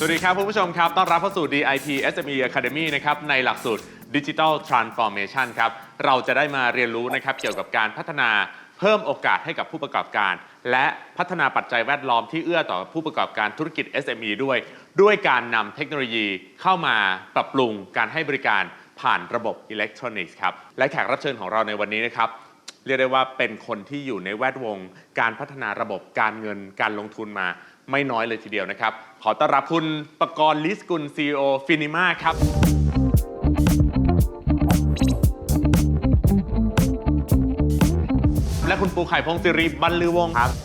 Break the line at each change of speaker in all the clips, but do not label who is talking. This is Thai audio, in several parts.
วัสดีครับคุณผู้ชมครับต้อนรับเข้าสู่ DIP SME Academy นะครับในหลักสูตร Digital Transformation ครับเราจะได้มาเรียนรู้นะครับเกี่ยวกับการพัฒนาเพิ่มโอกาสให้กับผู้ประกอบการและพัฒนาปัจจัยแวดล้อมที่เอื้อต่อผู้ประกอบการธุรกิจ SME ด้วยการนำเทคโนโลยีเข้ามาปรับปรุงการให้บริการผ่านระบบอิเล็กทรอนิกส์ครับและแขกรับเชิญของเราในวันนี้นะครับเรียกได้ว่าเป็นคนที่อยู่ในแวดวงการพัฒนาระบบการเงินการลงทุนมาไม่น้อยเลยทีเดียวนะครับขอต้อนรับคุณปกรณ์ ลิศกุล CEO ฟินิมาครับและคุณปูไข่พงศ์สิริบรรลือวงศ์ครับ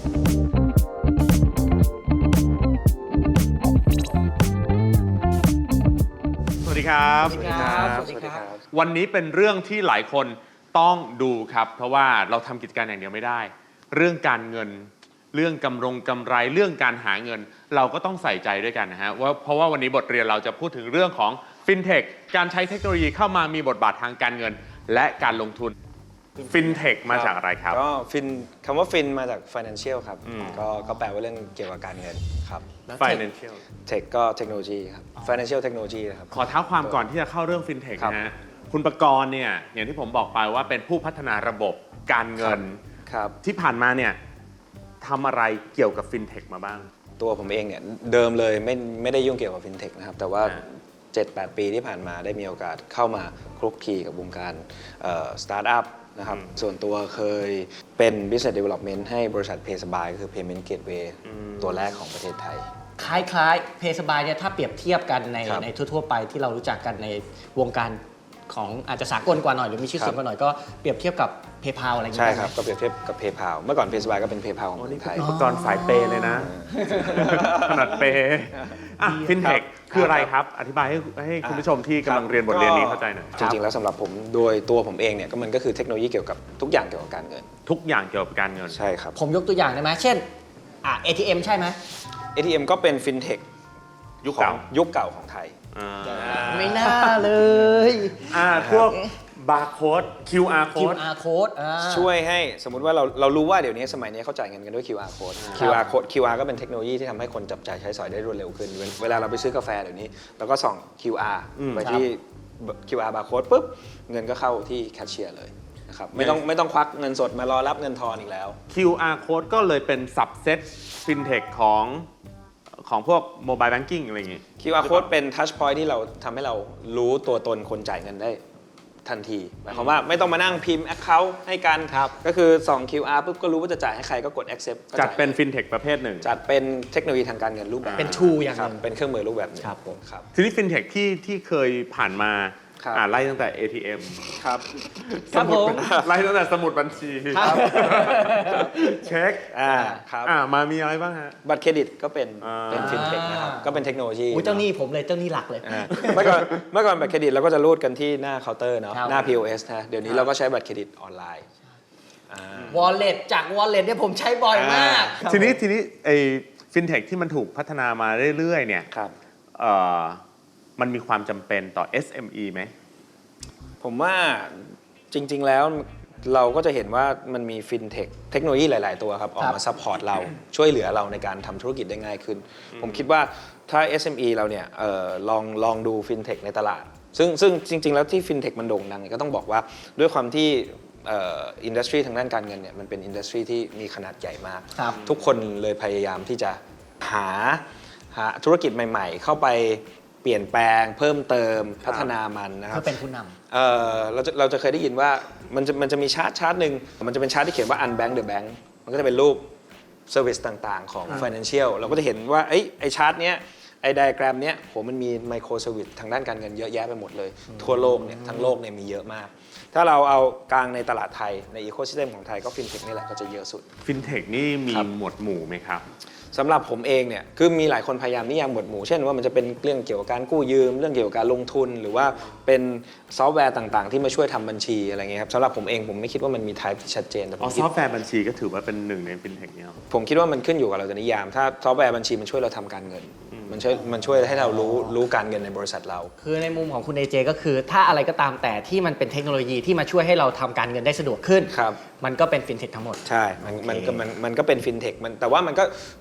สวัสดีครับ
สวัสดีครับสวัสดีครับ
วันนี้เป็นเรื่องที่หลายคนต้องดูครับเพราะว่าเราทำกิจการอย่างเดียวไม่ได้เรื่องการเงินเรื่องกำไรเรื่องการหาเงินเราก็ต้องใส่ใจด้วยกันนะฮะเพราะว่าวันนี้บทเรียนเราจะพูดถึงเรื่องของฟินเทคการใช้เทคโนโลยีเข้ามามีบทบาททางการเงินและการลงทุนฟินเทคมาจากอะไรครับ
ก็ฟินคำว่าฟินมาจาก financial ครับก็แปลว่าเรื่องเกี่ยวกับการเงินครับ
financial
tech ก็เทคโนโลยีครับ financial technology นะครับ
ขอเท้าความก่อนที่จะเข้าเรื่องฟินเทคนะฮะคุณประกรณ์เนี่ยอย่างที่ผมบอกไปว่าเป็นผู้พัฒนาระบบการเงินที่ผ่านมาเนี่ยทำอะไรเกี่ยวกับฟินเทคมาบ้าง
ตัวผมเองเนี่ยเดิมเลยไม่ได้ยุ่งเกี่ยวกับฟินเทคนะครับแต่ว่า 7-8 ปีที่ผ่านมาได้มีโอกาสเข้ามาคลุกคลีกับวงการสตาร์ทอัพนะครับส่วนตัวเคยเป็น business development ให้บริษัท PaySby ก็คือ payment gateway ตัวแรกของประเทศไทย
คล้ายๆเพย์สบายเนี่ยถ้าเปรียบเทียบกันในทั่วๆไปที่เรารู้จักกันในวงการของอาจจะสากลกว่าหน่อยหรือมีชื่อเสียงกว่าหน่อยก็เปรียบเทียบกับ PayPal อะไรอย่างเงี้ย
ใช่ครับก็เปรียบเทียบกับ PayPal เมื่อก่อน PaySby ก็เป็น PayPal ของคนไทย
อุปกรณ์สายเปย์เลยนะขนาดเปย์ฟินเทคคืออะไรครับอธิบายให้คุณผู้ชมที่กำลังเรียนบทเรียนนี้เข้าใจหน่อย
จริงๆแล้วสำหรับผมโดยตัวผมเองเนี่ยก็มันก็คือเทคโนโลยีเกี่ยวกับทุกอย่างเกี่ยวกับการเงิน
ทุกอย่างเกี่ยวกับการเงิน
ใช่ครับ
ผมยกตัวอย่างได้ไหมเช่นATM ใช่ไหม
ATM ก็เป็นฟินเทค
ยุคเก่า
ของไทย
ไม่น่าเลย
พวกบาร์โค้ด QR
code
ช่วยให้สมมุติว่าเรารู้ว่าเดี๋ยวนี้สมัยนี้เขาจ่ายเงินกันด้วย QR code QR ก็เป็นเทคโนโลยีที่ทำให้คนจับจ่ายใช้สอยได้รวดเร็วขึ้นเวลาเราไปซื้อกาแฟเดี๋ยวนี้เราก็ส่อง QR ไปที่ QR barcode ปุ๊บเงินก็เข้าที่แคชเชียร์เลยนะครับไม่ต้องควักเงินสดมารอรับเงินทอนอีกแล้ว
QR code ก็เลยเป็น subset fintech ของพวก mobile banking อะไรอย่างงี้
QR code เป็น touch point ที่เราทำให้เรารู้ตัวตนคนจ่ายเงินได้ทันทีหมายความว่าไม่ต้องมานั่งพิมพ์ account ให้กันก็คือส่อง QR ปุ๊บก็รู้ว่าจะจ่ายให้ใครก็กด accept
จัดเป็น fintech ประเภทหนึ่ง
จัดเป็นเทคโนโลยีทางการเงินรูปแบบ
เป็น tool อย่างนึง
เป็นเครื่องมือรูปแบบ
ครับผม
ทีนี้ fintech ที่เคยผ่านมาไล่ตั้งแต่ ATM
ครับ
ไล่ตั้งแต่สมุดบัญชีเช็ค
ครับ
มามีอะไรบ้างฮะ
บัตรเครดิตก็เป็นฟินเทคนะครับก็เป็นเทคโนโลยี
เจ้าหนี้ผมเลยเจ้าหนี้หลักเลย
เมื่อก่อนบัตรเครดิตเราก็จะรูดกันที่หน้าเคาน์เตอร์เนาะหน้า POS นะเดี๋ยวนี้เราก็ใช้บัตรเครดิตออนไลน์
wallet จาก wallet เนี่ยผมใช้บ่อยมาก
ทีนี้ไอ้ฟินเทคที่มันถูกพัฒนามาเรื่อยๆเนี่ยมันมีความจำเป็นต่อ SME ไหม
ผมว่าจริงๆแล้วเราก็จะเห็นว่ามันมีฟินเทคเทคโนโลยีหลายๆตัวครับออกมาซัพพอร์ตเราช่วยเหลือเราในการทำธุรกิจได้ง่ายขึ้นผมคิดว่าถ้า SME เราเนี่ยลองดูฟินเทคในตลาดซึ่งจริงๆแล้วที่ฟินเทคมันโด่งดังก็ต้องบอกว่าด้วยความที่อินดัสทรีทางด้านการเงินเนี่ยมันเป็นอินดัสทรีที่มีขนาดใหญ่มากทุกคนเลยพยายามที่จะหาธุรกิจใหม่ๆเข้าไปเปลี่ยนแปลงเพิ่มเติมพัฒนามันนะครับ
เพื่อเป็นผู้น
ำเราจะเคยได้ยินว่ามันจะมีชาร์ตหนึ่งมันจะเป็นชาร์ตที่เขียนว่า unbank the bank มันก็จะเป็นรูป service ต่างๆของ financial เราก็จะเห็นว่าไอ้ชาร์ตเนี้ยไอ้ไดอะแกรมเนี้ยมันมีไมโครเซอร์วิสทางด้านการเงินเยอะแยะไปหมดเลยทั่วโลกเนี่ยทั้งโลกเนี่ยมีเยอะมากถ้าเราเอากลางในตลาดไทยในอีโคซิสเต็มของไทยก็ฟินเทคนี่แหละก็จะเยอะสุด
ฟินเทคนี่มีหมวดหมู่ไหมครับ
สำหรับผมเองเนี่ยคือมีหลายคนพยายามนิยามหมวดหมู่เช่นว่ามันจะเป็นเรื่องเกี่ยวกับการกู้ยืมเรื่องเกี่ยวกับการลงทุนหรือว่าเป็นซอฟต์แวร์ต่างๆที่มาช่วยทำบัญชีอะไรเงี้ยครับสำหรับผมเองผมไม่คิดว่ามันมีไทป์ที่ชัดเจนแต่
ซอฟต์แวร์บัญชีก็ถือว่าเป็นหนึ่งในฟินเทคเนี่ย
ผมคิดว่ามันขึ้นอยู่กับเราจะนิยามถ้าซอฟต์แวร์บัญชีมันช่วยเราทำการเงินมันช่วยให้เรารู้การเงินในบริษัทเรา
คือในมุมของคุณเอเจก็คือถ้าอะไรก็ตามแต่ที่มันเป็นเทคโนโลยีที่มาช่วยให้เราทำการเงินได้สะดวกขึ้นมันก็เป็นฟินเทคทั้งหมด
ใช่มันก็เป็นฟินเทคแต่ว่ามันก็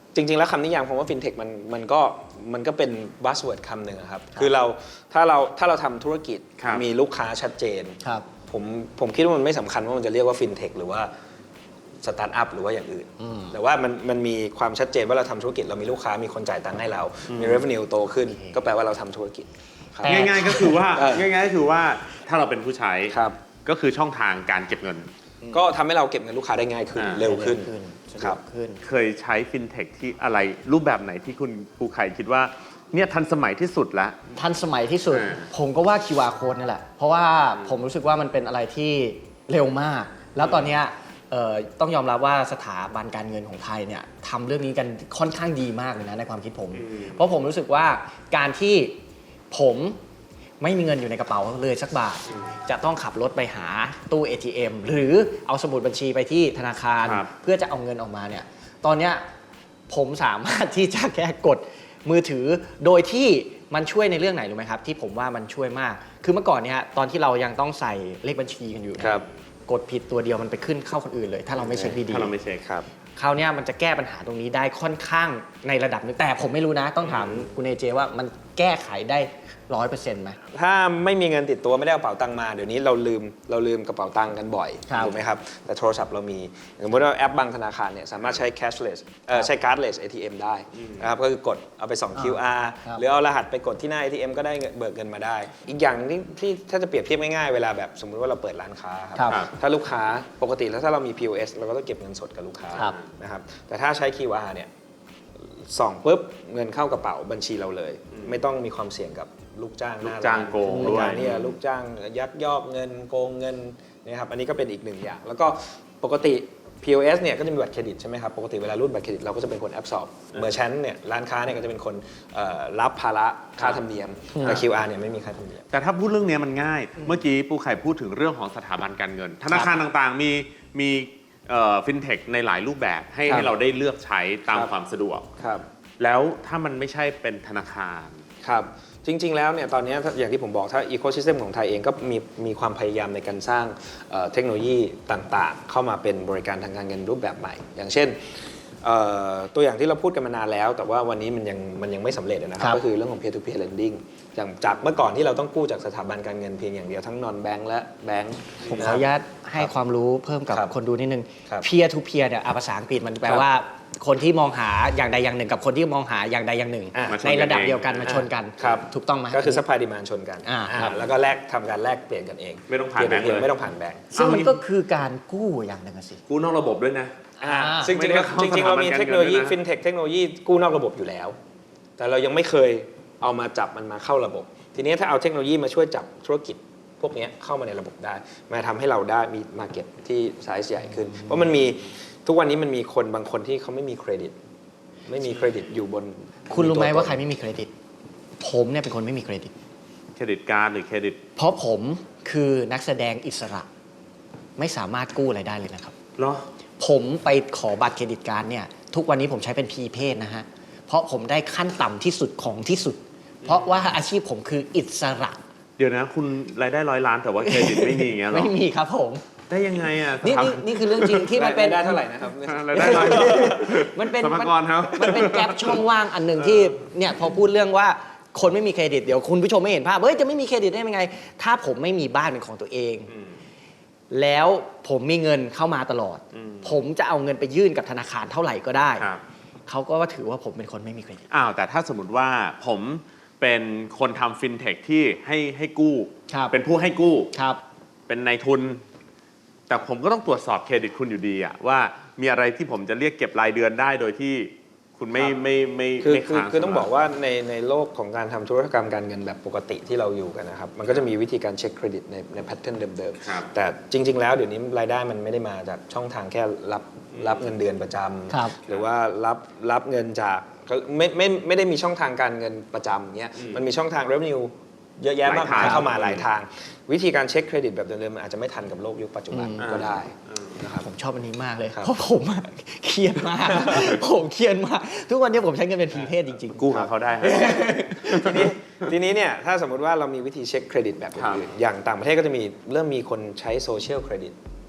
จริง ๆ แล้วคำนิยามคำว่า fintech มันก็เป็น buzzword คำหนึ่งอะครับคือถ้าเราทำธุรกิจ
ครับ
มีลูกค้าชัดเจน
ครับ
ผมคิดว่ามันไม่สำคัญว่ามันจะเรียกว่า fintech หรือว่าสตาร์ทอัพหรือว่าอย่างอื่น แต่ว่ามันมีความชัดเจนว่าเราทำธุรกิจเรามีลูกค้ามีคนจ่ายตังค์ให้เรา มี revenue โตขึ้น ก็แปลว่าเราทำธุรกิจครับ
แต่
ง่ายๆก็คือว่า
เออ
ง่ายๆก็คือว่าถ้าเราเป็นผู้ใช้
ครับ
ก็คือช่องทางการเก็บเงิน
ก็ทำให้เราเก็บเงินลูกค้าได้ง่ายขึ้น เร็วขึ้น
สะด
ครั
ว
บ
กขึ้น
เคยใช้ฟินเทคที่อะไรรูปแบบไหนที่คุณภูไข่คิดว่าเนี่ยทันสมัยที่สุดละ
ทันสมัยที่สุด
อ่า
ผมก็ว่า QR code นี่แหละ เพราะว่าผมรู้สึกว่ามันเป็นอะไรที่เร็วมาก แล้วตอนเนี้ยต้องยอมรับว่าสถาบันการเงินของไทยเนี่ยทำเรื่องนี้กันค่อนข้างดีมากเลยนะในความคิดผม เพราะผมรู้สึกว่าการที่ผมไม่มีเงินอยู่ในกระเป๋าเลยสักบาท จะต้องขับรถไปหาตู้ ATM หรือเอาสมุดบัญชีไปที่ธนาคาร
ครับ
เพื่อจะเอาเงินออกมาเนี่ย ตอนเนี้ยผมสามารถที่จะแค่กดมือถือโดยที่มันช่วยในเรื่องไหนรู้ไหมครับ ที่ผมว่ามันช่วยมาก คือเมื่อก่อนเนี่ยตอนที่เรายังต้องใส่เลขบัญชีกันอยู่เนี่ย
ครับ
กดผิดตัวเดียวมันไปขึ้นเข้าคนอื่นเลย ถ้าเราไม่เช็คดี
ถ้าเราไม่เช็ค
ครับ
ๆคราวเนี้ยมันจะแก้ปัญหาตรงนี้ได้ค่อนข้างในระดับหนึงแต่ผมไม่รู้นะ ต้องถามคุณเอเจว่ามันแก้ไขได้ 100%ไหม
ถ้าไม่มีเงินติดตัวไม่ได้เอากระเป๋าตังค์มาเดี๋ยวนี้เราลืมกระเป๋าตังค์กันบ่อย
ครับ
ถูกไหมครับแต่โทรศัพท์เรามีสมมติว่าแอปบางธนาคารเนี่ยสามารถใช้ cashless ใช้ cardless ATM ได้นะครับก็คือกดเอาไปส่อง QR
ครับ
หรือเอารหัสไปกดที่หน้า ATM ก็ได้เบิกเงินมาได้ อีกอย่างที่ถ้าจะเปรียบเทียบง่ายๆเวลาแบบสมมุติว่าเราเปิดร้านค้าครับ
ครับ
ถ้าลูกค้าปกติแล้วถ้าเรามี POS เราก็ต้องเก็บเงินสดกับลูกค้า
ครับ
นะครับแต่ถ้าใช้ QR เนี่ยส่องปุ๊บเงินเข้ากระเป๋าบัญชีเราเลย ไม่ต้องมีความเสี่ยงกับลูกจ้างหน้า
ลูกจ้าง
ร้น
โกง
ใน
ด้วย
การที่จะลูกจ้างยักยอกเงินโกงเงินนะครับอันนี้ก็เป็นอีกหนึ่งอย่าง แล้วก็ปกติ POS เนี่ยก็จะมีบัตรเครดิตใช่ไหมครับปกติเวลารูดบัตรเครดิตเราก็จะเป็นคนแอบสอบเมอร์ชันเนี่ยร้านค้าเนี่ยก็จะเป็นคนรับภาระค่าธรรมเนียมแต่ QR เนี่ยไม่มีค่าธรรมเนียม
แต่ถ้าพูดเรื่องเนี้ยมันง่าย เมื่อกี้ปูไข่พูดถึงเรื่องของสถาบันการเงิน ธนาคารต่างๆมีฟินเทคในหลายรูปแบบให้
ครับ
ให้เราได้เลือกใช้ตาม
ครับ
ความสะดวก
ครับ
แล้วถ้ามันไม่ใช่เป็นธนาคาร
ครับจริง ๆ แล้วเนี่ยตอนนี้อย่างที่ผมบอกถ้าอีโค y ิสเต็มของไทยเองก็มีความพยายามในการสร้างเทคโนโลยีต่างๆ เข้ามาเป็นบริการทางการเงินรูปแบบใหม่ อย่างเช่นตัวอย่างที่เราพูดกันมานานแล้ว แต่ว่าวันนี้มันยังไม่สำเร็จนะค
ครั
รับบ ก็คือเรื่องของ peer to peer lending อย่างจากเมื่อก่อนที่เราต้องกู้จากสถาบันการเงินเพียงอย่างเดียวทั้ง non bank และ bank
ผมขออนุญาตให้ความรู้เพิ่มกับ
ครับ
คนดูนิดนึง
ครับ
peer to peer เนี่ยภาษาอังกฤษมันแปลว่าคนที่มองหาอย่างใดอย่างหนึ่งกับคนที่มองหาอย่างใดอย่างหนึ่ง
อ่ะ
มาชนกัน
ในระดับ
เอง
เดียวกันมาชนกัน
ครับ
ถูกต้องไหม
ก็คือ supply demand ชนกัน
ครับ
แล้วก็ทำการแลกเปลี่ยนกันเอง
ไม่ต้องผ่าน
peer to
แบงค์
peer
เลย
ไม่ต้องผ่านแบงค์
ซึ่งมันก็คือการกู้อย่างหนึ่งอะสิ
กู้นอกระบบด้วยนะ
ซึ่งจริงๆแล้ว
ไม่ได้เข้า
จริงๆเรามี
สถาบันการเงิน
เทคโนโลยี
ด้วยนะ
ฟินเทคเทคโนโลยีกู้นอกระบบอยู่แล้ว แต่เรายังไม่เคยเอามาจับมันมาเข้าระบบ ทีนี้ถ้าเอาเทคโนโลยีมาช่วยจับธุรกิจพวกนี้เข้ามาในระบบได้มาทำให้เราได้มีมาเก็ตที่ไซส์ใหญ่ขึ้น เพราะมันมีทุกวันนี้มันมีคนบางคนที่เขาไม่มีเครดิต ไม่มีเครดิตอยู่บน
คุณรู้ไหม
ตัวตน
ว่าใครไม่มีเครดิต ผมเนี่ยเป็นคนไม่มีเครดิต
เครดิตการ์ดหรือเครดิต
เพราะผมคือนักแสดงอิสระ ไม่สามารถกู้อะไรได้เลยนะครับ
เหรอ
ผมไปขอบัตรเครดิตการ์ดเนี่ยทุกวันนี้ผมใช้เป็นพรีเพดนะฮะ เพราะผมได้ขั้นต่ำที่สุดของที่สุด เพราะว่าอาชีพผมคืออิสระ
เดี๋ยวนะคุณรายได้100 ล้านแต่ว่าเครดิตไม่มีอย่างเงี้ยเหรอ
ไม่มีครับผม
ได้ยังไงอ่ะ
นี่คือเรื่องจริงที่มันเป็น
ได้เท่าไหร่นะครับ
รายได้100
มันเป็น
สรรพากรครับ
มันเป็นแกลบช่องว่างอันหนึ่งที่เนี่ยพอพูดเรื่องว่าคนไม่มีเครดิตเดี๋ยวคุณผู้ชมไม่เห็นภาพเฮ้ยจะไม่มีเครดิตได้ยังไง ถ้าผมไม่มีบ้านเป็นของตัวเอง แล้วผมมีเงินเข้ามาตลอด ผมจะเอาเงินไปยื่นกับธนาคารเท่าไหร่ก็ได้
ครับ
เขาก็ว่าถือว่าผมเป็นคนไม่มีเครดิต
อ้าวแต่ถ้าสมมติว่าผมเป็นคนทำฟินเทคที่ให้กู้
ครับ
เป็นผู้ให้กู้
ครับ
เป็นนายทุน แต่ผมก็ต้องตรวจสอบเครดิตคุณอยู่ดีอะว่ามีอะไรที่ผมจะเรียกเก็บรายเดือนได้โดยที่คุณไม่
ครับ
ไม่
คือ
ไม่
คือ
ค้าง
คือต้องบอกว่าในโลกของการทำธุรกรรมการเงินแบบปกติที่เราอยู่กันนะครับ มันก็จะมีวิธีการเช็คเครดิตในแพทเทิร์นเดิม
ครับ
ๆ แต่จริง ๆ แล้วเดี๋ยวนี้รายได้มันไม่ได้มาจากช่องทางแค่รับเงินเดือนประจ
ครับ
ำหรือว่ารับเงินจากก็ไม่ได้มีช่องทางการเงินประจำเนี้ยมันมีช่องทาง revenue เยอะแยะมากมายเข้ามาหลายทาง วิธีการเช็คเครดิตแบบเดิมๆมันอาจจะไม่ทันกับโลกยุคปัจจุบันก็ได้นะครับ
ผมชอบอันนี้มากเลย
ครับ
เพราะผมอะเครียดมาก ผมเครียดมาก ทุกวันนี้ผมใช้เงินเป็นพรีเพดจริงๆ
กู้กับเขาได้ครับ
ทีนี้เนี่ยถ้าสมมติว่าเรามีวิธีเช็คเครดิตแบบอื่นๆอย่างต่างประเทศก็จะเริ่มมีคนใช้โซเชียลเครดิต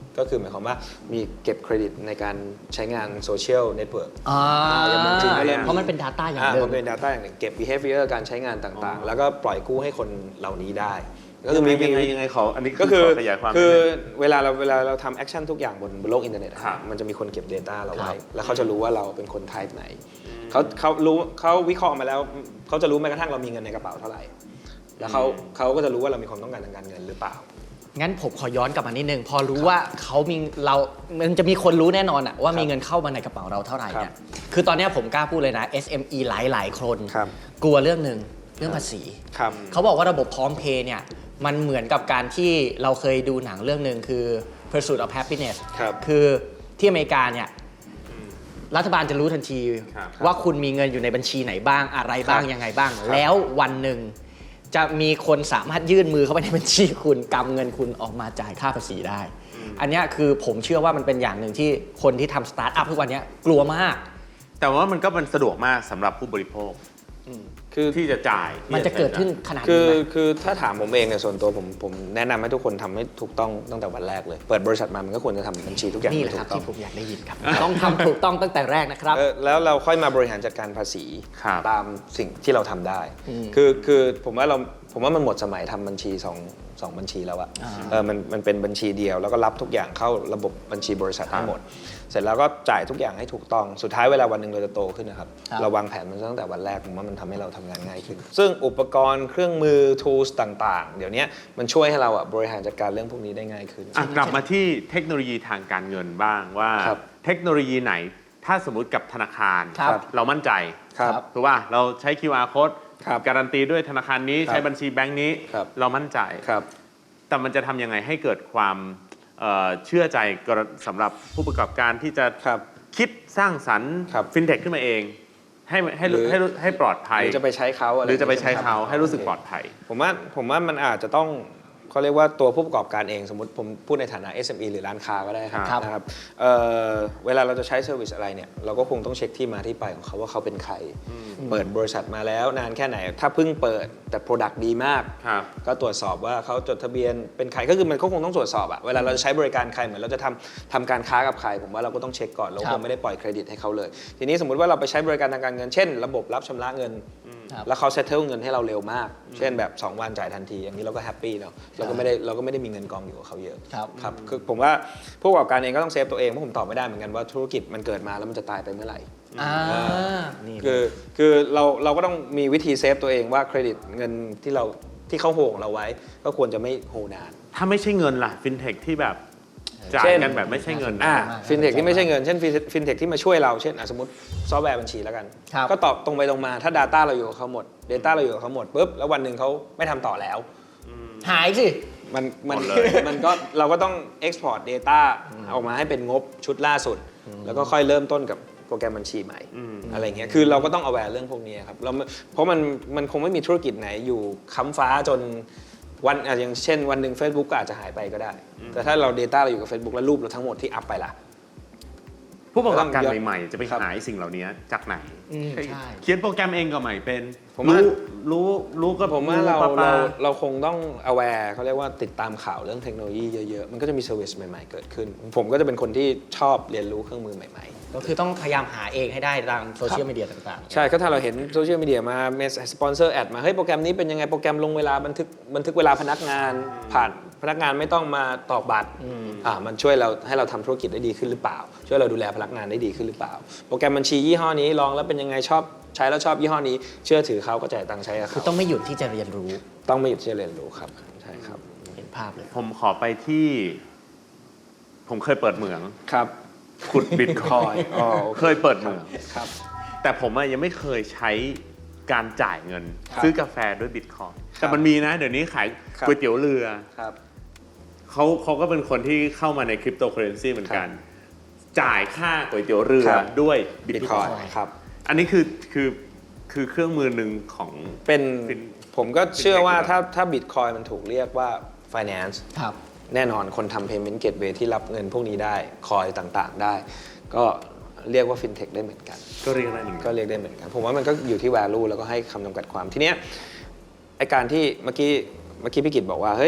ก็คือหมายความว่ามีเก็บเครดิตในการใช้งานโซเชียลเน็ตเวิร์ก อย่างบางทีก็เริ่ม
เพราะมันเป็น Data อย่างหนึ่ง
มันเป็น Data อย่างหนึ่งเก็บ behavior การใช้งานต่างๆ แล้วก็ปล่อยกู้ให้คนเหล่านี้ได้ ก็คือมี
ยังไงขออันนี้
ก็คือ
ขขยายความ
คือ
นิดนึง
เวลาเราทำแอคชั่นทุกอย่างบนโลกอินเทอร์เน็ตอะ
ครับ
มันจะมีคนเก็บ Data เรา
ครั
ไว้
บ
แล้วเขาจะรู้ว่าเราเป็นคน type ไหนเขารู้เขาวิเคราะห์มาแล้วเขาจะรู้แม้กระทั่งเรามีเงินในกระเป๋าเท่าไหร่ แล้วเขาก็จะรู้ว่าเรามีความต้องการทางการเงินหรือเปล่า
งั้นผมขอย้อนกลับมานิดนึง พอรู้ว่าเขามีเรา มันจะมีคนรู้แน่นอนอะว่ามีเงินเข้ามาในกระเป๋าเราเท่าไหร่เนี่ย คือตอนเนี้ยผมกล้าพูดเลยนะ SME หลายคน
ครับ
กลัวเรื่องหนึ่งเรื่องภาษี
ครับ
เขาบอกว่าระบบพร้อมเพย์เนี่ยมันเหมือนกับการที่เราเคยดูหนังเรื่องหนึ่งคือ Pursuit of Happiness
ครับ
คือที่อเมริกาเนี่ยรัฐบาลจะรู้ทันที
ครับ
ว่าคุณมีเงินอยู่ในบัญชีไหนบ้างอะไรบ้าง
ครับ
ยังไงบ้าง แล้ววันหนึ่งจะมีคนสามารถยื่นมือเข้าไปในบัญชีคุณกำเงินคุณออกมาจ่ายค่าภาษีได้ อันเนี้ยคือผมเชื่อว่ามันเป็นอย่างหนึ่งที่คนที่ทำสตาร์ทอัพทุกวันเนี้ยกลัวมาก
แต่ว่ามันก็มันสะดวกมากสำหรับผู้บริโภค
คือ
ที่จะจ่าย
มันจะเกิดขึ้นขนาด
คื
นี้
อ
ไหม
คือถ้าถามผมเองเนี่ยส่วนตัวผมแนะนำให้ทุกคนทำให้ถูกต้องตั้งแต่วันแรกเลย เปิดบริษัทมามันก็ควรจะทำบัญชีทุกอย่าง
นี่แหละ
ให้
ครับ
ถูกต้อง
ที่ผมอยากได้ยินครับ ต้องทำถูกต้องตั้งแต่แรกนะครับ
แล้วเราค่อยมาบริหารจัดการภาษี
ครับ
ตามสิ่งที่เราทำได้
อืม
คือผมว่ามันหมดสมัยทำบัญชีสองบัญชีแล้วอะ มันเป็นบัญชีเดียวแล้วก็รับทุกอย่างเข้าระบบบัญชีบริษัทให้หมด เสร็จแล้วก็จ่ายทุกอย่างให้ถูกต้องสุดท้ายเวลาวันหนึ่งเราจะโตขึ้นนะครับ
ครับ
เราวางแผนมันตั้งแต่วันแรกผมว่ามันทำให้เราทำงานง่ายขึ้น ซึ่งอุปกรณ์เครื่องมือ tools ต่างๆ เดี๋ยวนี้มันช่วยให้เราอะบริหารจัดการเรื่องพวกนี้ได้ง่ายขึ้น
อ่ะกลับมาที่เทคโนโลยีทางการเงินบ้างว่า
ครับ
เทคโนโลยีไหนถ้าสมมติกับธนาคาร
ครับ
เรามั่นใจ
ครับ
ถูกป่ะเราใช้ QR code
ครับ
การันตีด้วยธนาคารนี้
ครับ
ใช้บัญชีแบงก์นี้
ครับ
เรามั่นใจ
ครับ
แต่มันจะทำยังไงให้เกิดความเชื่อใจสำหรับผู้ประกอบการที่จะ
ครับ
คิดสร้างสรรค์
ครับ
ฟินเทคขึ้นมาเอง
หรือ
ให้ปลอดภัย
หรือจะไปใช้เขา
หรือจะไปใช้
อย่ง
เขา
งี้ย
ให้รู้สึกปลอดภัย
ผมว่ามันอาจจะต้องเขาเรียกว่าตัวผู้ประกอบการเองสมมติผมพูดในฐานะ SME หรือร้านค้าก็ได้ครับ
ครับ
นะครับเวลาเราจะใช้เซอร์วิสอะไรเนี่ยเราก็คงต้องเช็คที่มาที่ไปของเขาว่าเขาเป็นใคร เปิดบริษัทมาแล้วนานแค่ไหน ถ้าเพิ่งเปิดแต่ Product ดีมาก
ครับ
ก็ตรวจสอบว่าเขาจดทะเบียนเป็นใครก็คือมันก็คงต้องตรวจสอบอะเวลาเราจะใช้บริการใครเหมือนเราจะทำการค้ากับใคร ผมว่าเราก็ต้องเช็คก่อนเรา
ครั
ค
บ
งไม่ได้ปล่อยเครดิตให้เขาเลย ทีนี้สมมติว่าเราไปใช้บริการทางการเงินเช่น ระบบรับชำระเงิน
ครับ
แล้วเขาเซตเทิลเงินให้เราเร็วมาก เช่นแบบ 2 วันจ่ายทันที อย่างนี้เราก็แฮปปี้เนาะเราก็ไม่ได้มีเงินกองอยู่กับเขาเยอะ
ครับ
ครับคือผมว่าผู้ประกอบการเองก็ต้องเซฟตัวเองเพราะผมตอบไม่ได้เหมือนกันว่าธุรกิจมันเกิดมาแล้วมันจะตายไปเมื่อไหร่
นี่
คือเราก็ต้องมีวิธีเซฟตัวเองว่าเครดิตเงินที่เขาโหงเราไว้ ก็ควรจะไม่โหนาน
ถ้าไม่ใช่เงินล่ะฟินเทคที่แบบจ่าย
เช่น
กันแบบไม่ใช่เงิน
อ่า
ฟินเทคที่ไม่ใช่เงินเช่นฟินเทคที่มาช่วยเราเช่นสมมติซอฟต์แวร์บัญชีแล้วกัน
ครับ
ก็ตอบตรงไปตรงมาถ้า Data เราอยู่กับเขาหมด Data เราอยู่กับเขาหมดปุ๊บแล้ววันหนึ่งเขาไม่ทำต่อแล้ว
หายสิ
มัน
หมดเลย
มันก็เราก็ต้อง export data ออกมาให้เป็นงบชุดล่าสุด แล้วก็ค่อยเริ่มต้นกับโปรแกรมบัญชีใหม่ อะไรเงี้ยคือเราก็ต้อง aware เรื่องพวกนี้ครับเพราะมันคงไม่มีธุรกิจไหนอยู่ค้ำฟ้าจนวันอย่างเช่นวันหนึ่ง Facebook ก็อาจจะหายไปก็ได้ แต่ถ้าเรา Data เราอยู่กับ Facebook แล้วรูปเราทั้งหมดที่อัพไปล่ะ
ผู้ประกอบการ
ต้อง
ใหม่ๆ จะไป
ครับ
หาสิ่งเหล่านี้จากไหน
ใช่
เขียนโปรแกรมเองก็ใหม่เป็น
ผมว่า
รู้ก็
ผมว่าเรา
ปะ
เราคงต้อง aware เขาเรียกว่าติดตามข่าวเรื่องเทคโนโลยีเยอะๆ มันก็จะมี service ใหม่ๆ เกิดขึ้น ผมก็จะเป็นคนที่ชอบเรียนรู้เครื่องมือใหม่ๆ
ก็คือต้องพยายามหาเองให้ได้ตามโซเชียลมีเดียต่างๆ
ใช่ก็ถ้าเราเห็นโซเชียลมีเดียมาเมสสปอนเซอร์แอดมาเฮ้ยโปรแกรมนี้เป็นยังไงโปรแกรมลงเวลาบันทึกเวลาพนักงานผ่านพนักงานไม่ต้องมาตอกบัตรมันช่วยเราให้เราทำธุรกิจได้ดีขึ้นหรือเปล่า ช่วยเราดูแลพนักงานได้ดีขึ้นหรือเปล่า โปรแกรมบัญชียี่ห้อนี้ลองแล้วเป็นยังไงชอบใช้แล้วชอบยี่ห้อนี้เชื่อถือเขาก็จ่ายตังค์ใช้กับ
คือ
เขา
ต้องไม่หยุดที่จะเรียนรู้
ต้องไม่หยุดที่จะเรียนรู้ครับใช่ครับ
เห็นภาพเลย
ผมขอไปที่ ผมเคยเปิดเหมือง
ครับ
ขุดบิตคอย
อ๋อ
เคยเปิดเหมือง
ครับ
แต่ผมอะยังไม่เคยใช้การจ่ายเงิน
ครับ
ซื้อกาแฟด้วยบิตคอย
ครับ
แต่มันมีนะ เดี๋ยวนี้ขาย
ครับ
ก๋วยเตี๋ยวเรือ
ครับ
เขาก็เป็นคนที่เข้ามาในคริปโตเคอเรนซีเหมือนกัน จ่ายค่าก๋วยเตี๋ยวเรือ
ครับ
ด้วยบิ
บิ
ต
ต
ค
ค
อ
อย ยครับ
อันนี้คือเครื่องมือหนึ่งของ
เป็น
เป็น
ผมก็เชื่อว่า
เป็นเทคนิค
ถ้าบิตคอยมันถูกเรียกว่า finance
ครับ
แน่นอนคนทำ payment gateway ที่รับเงินพวกนี้ได้คอยต่างๆได้ ก็เรียกว่า fintech ได้เหมือนกัน
ก็เรียกได้หนึ่ง
ก็เรียกได้เหมือนกัน ผมว่ามันก็อยู่ที่ value แล้วก็ให้คำจำกัดความทีเนี้ยไอการที่เมื่อกี้พี่กิตบอกว่าเฮ้ย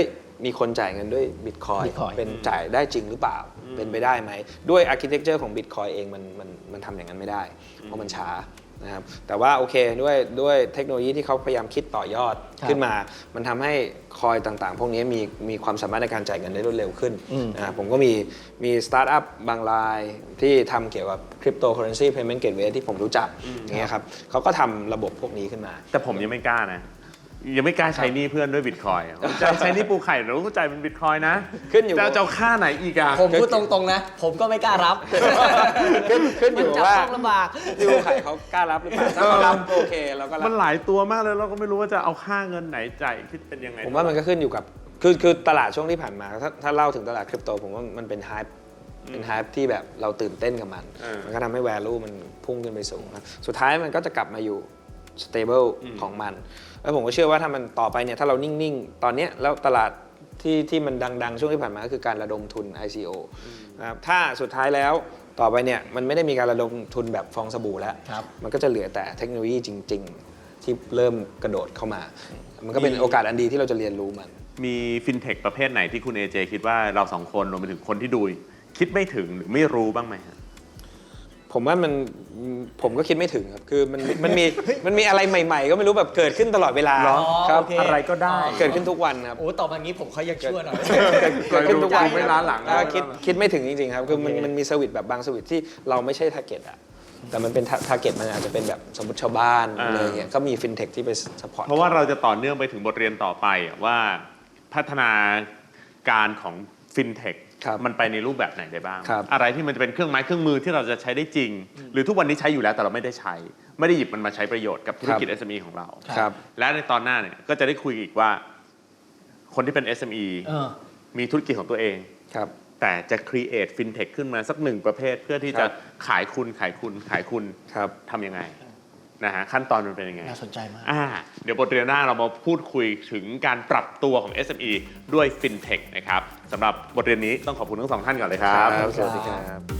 มีคนจ่ายเงินด้วยบิตคอย
Bitcoin
เป็นจ่ายได้จริงหรือเปล่า เป็นไปได้ไหมด้วยอาร์คิเทคเจอร์ของบิตคอยเองมันทำอย่างนั้นไม่ได้ เพราะมันช้านะครับแต่ว่าโอเคด้วยเทคโนโลยีที่เขาพยายามคิดต่อยอด
ครับ
ขึ้นมา มันทำให้คอยต่างๆ พวกนี้มีความสามารถในการจ่ายเงินได้รวดเร็วขึ้นนะครับผมก็มีสตาร์ทอัพบางรายที่ทำเกี่ยวกับคริปโตเคอเรนซีเพย์เมนต์เกตเวย์ที่ผมรู้จักอย่างเงี้ยครับเขาก็ทำระบบพวกนี้ขึ้นมา
แต่ผมยังไม่กล้านะ ยังไม่กล้าใช้หนี้เพื่อนด้วยบิตคอยจะใช้หนี้ปูไข่เราก็จ่ายเป็นบิตคอยนะ
ขึ้นอยู่
จะเอาค่าไหนอีกอะ
ผมพูดตรงๆนะ ผมก็ไม่กล้ารับ
ขึ้นอยู่
มันจับ
ว่า
ต้องลำบาก
ที่ผู้ขายเขากล้ารับหรือเปล่าถ้าเขารับโอเคเราก็รับ
มันหลายตัวมากเลยเราก็ไม่รู้ว่าจะเอาค่าเงินไหนจ่ายคิดเป็นยังไง
ผมว่ามันก็ขึ้นอยู่กับคือตลาดช่วงที่ผ่านมาถ้าเล่าถึงตลาดคริปโตผมว่ามันเป็นไฮป์ที่แบบเราตื่นเต้นกับมัน มันก็ทำให้ value มันพุ่งขึ้นไปสูงนะสุดท้ายมันก็จะกลับมาอยู่ stable ของมัน แล้วผมก็เชื่อว่าถ้ามันต่อไปเนี่ยถ้าเรานิ่งๆ ตอนเนี้ยแล้วตลาดที่มันดังๆ ช่วงที่ผ่านมาก็คือการระดมทุน ICO นะครับถ้าสุดท้ายแล้วต่อไปเนี่ยมันไม่ได้มีการระดมทุนแบบฟองสบู่แล้ว
ครับ
มันก็จะเหลือแต่เทคโนโลยีจริง ๆ ที่เริ่มกระโดดเข้ามา มันก็เป็นโอกาสอันดีที่เราจะเรียนรู้มัน
มีฟินเทคประเภทไหนที่คุณ AJ คิดว่าเราสองคนรวมไปถึงคนที่ดูคิดไม่ถึงหรือไม่รู้บ้างไหมฮะ
ผมว่าผมก็คิดไม่ถึงครับคือมันมีอะไรใหม่ๆ ก็ไม่รู้แบบเกิดขึ้นตลอดเวลา
เหรอ
ครับ
โอเค
อะไรก็ได้
เกิดขึ้นทุกวันครับ
โอ้ต่อมางี้ผมเขายังชั่วหน่อย
เกิดขึ้นทุกวัน
ไม่ล้าหลัง
คิดไม่ถึงจริงๆครับคือมันมีสวิตช์แบบบางสวิตช์ที่เราไม่ใช่ทาร์เก็ตอะแต่มันเป็นทาร์เก็ตมันอาจจะเป็นแบบสมมติชาวบ้านอะไรเงี้ยก็มีฟินเทคที่ไปสปอร์ต
เพราะว่าเราจะต่อเนื่องไปถึงบทเรียนต่อไปว่าพัฒนาการของฟินเทค
ครับ
มันไปในรูปแบบไหนได้บ้าง
ครับ
อะไรที่มันจะเป็นเครื่องไม้เครื่องมือที่เราจะใช้ได้จริง หรือทุกวันนี้ใช้อยู่แล้วแต่เราไม่ได้ใช้ ไม่ได้หยิบมันมาใช้ประโยชน์กับธุรกิจ SME ของเรา
ครับ
และในตอนหน้าเนี่ยก็จะได้คุยอีกว่า คนที่เป็น SME
เออ
มีธุรกิจของตัวเอง
ครับ
แต่จะ create fintech ขึ้นมาสักหนึ่งประเภท เพื่อที่จะขายคุณ
ครับ
ทำยังไงนะฮะขั้นตอนมันเป็นยังไง
น่าสนใจมาก
เดี๋ยวบทเรียนหน้าเรามาพูดคุยถึงการปรับตัวของ SME ด้วย fintech นะครับสำหรับบทเรียนนี้ต้องขอบคุณทั้งสองท่านก่อนเลยครับ
สวัสดีครับ